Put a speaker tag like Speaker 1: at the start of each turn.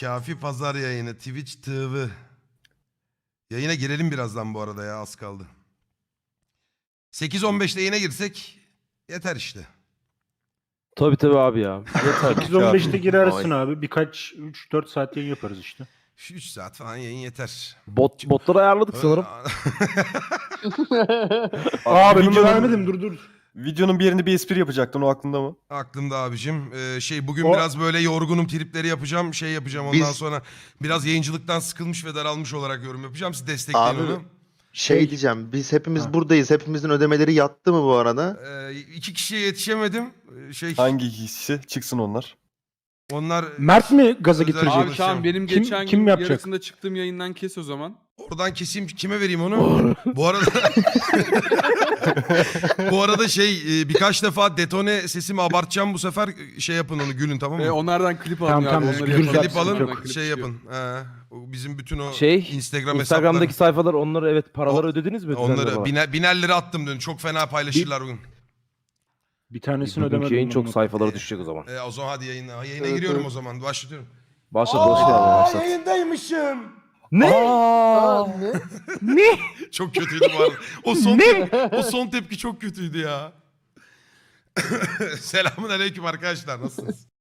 Speaker 1: Kafi Pazar yayını. Twitch TV. Yayına girelim birazdan bu arada ya, az kaldı. 8.15'te yayına girsek yeter işte.
Speaker 2: Tabii abi ya. Yeter.
Speaker 3: 8-15'te girersin abi. Birkaç 3-4 saat yayın yaparız işte.
Speaker 1: Şu 3 saat falan yayın yeter.
Speaker 2: Botları ayarladık sanırım.
Speaker 3: Aa ben onu
Speaker 4: videonun-
Speaker 3: vermedim dur.
Speaker 4: Videonun bir yerinde bir espri yapacaktın, o aklında mı?
Speaker 1: Aklımda abicim. Bugün
Speaker 3: O-
Speaker 1: biraz böyle yorgunum, tripleri yapacağım. Ondan
Speaker 5: Biz-
Speaker 1: sonra biraz yayıncılıktan sıkılmış ve daralmış olarak yorum yapacağım. Siz destekleyin
Speaker 5: Abi,
Speaker 1: onu.
Speaker 5: Şey diyeceğim, biz hepimiz
Speaker 3: Ha.
Speaker 5: buradayız. Hepimizin ödemeleri yattı mı bu arada?
Speaker 1: 2 kişiye yetişemedim.
Speaker 4: Hangi ikisi? Çıksın onlar.
Speaker 1: Onlar
Speaker 3: Mert mi gaza
Speaker 1: Özel-
Speaker 3: getirecek?
Speaker 1: Abi,
Speaker 6: Abi Kaan benim
Speaker 3: Kim-
Speaker 6: geçen
Speaker 3: kim
Speaker 6: gün
Speaker 3: yapacak?
Speaker 6: yarısında çıktığım yayından kes o zaman.
Speaker 1: oradan keseyim, kime vereyim onu? Bu arada bu arada birkaç defa detone sesimi abartacağım bu sefer, yapın onu, gülün, tamam mı?
Speaker 6: Onlardan klip alın
Speaker 3: Tamam,
Speaker 6: ya.
Speaker 3: tamam,
Speaker 6: onları
Speaker 3: güzel,
Speaker 6: yapalım.
Speaker 1: Klip alın,
Speaker 6: Onlardan klip çıkıyor.
Speaker 1: yapın. O bizim bütün o
Speaker 2: Instagram'daki
Speaker 1: Instagram
Speaker 2: sayfalar, onları evet paraları
Speaker 1: O-
Speaker 2: ödediniz mi?
Speaker 1: onları
Speaker 2: Düzenleme
Speaker 1: biner lira attım dün. Çok fena paylaşırlar bugün.
Speaker 3: Bir
Speaker 2: olarak?
Speaker 3: tanesini
Speaker 2: Bugünkü
Speaker 3: ödemedim.
Speaker 2: yayın çok
Speaker 3: onu.
Speaker 2: sayfalara düşecek o zaman.
Speaker 1: O zaman hadi yayına
Speaker 5: Evet,
Speaker 1: giriyorum
Speaker 5: evet.
Speaker 1: o zaman. Başlatıyorum.
Speaker 2: Başlat.
Speaker 1: Yayındaymışım.
Speaker 2: Ne?
Speaker 1: Çok kötüydü bu arada. O son tepki çok kötüydü ya. Selamun aleyküm arkadaşlar. Nasılsınız?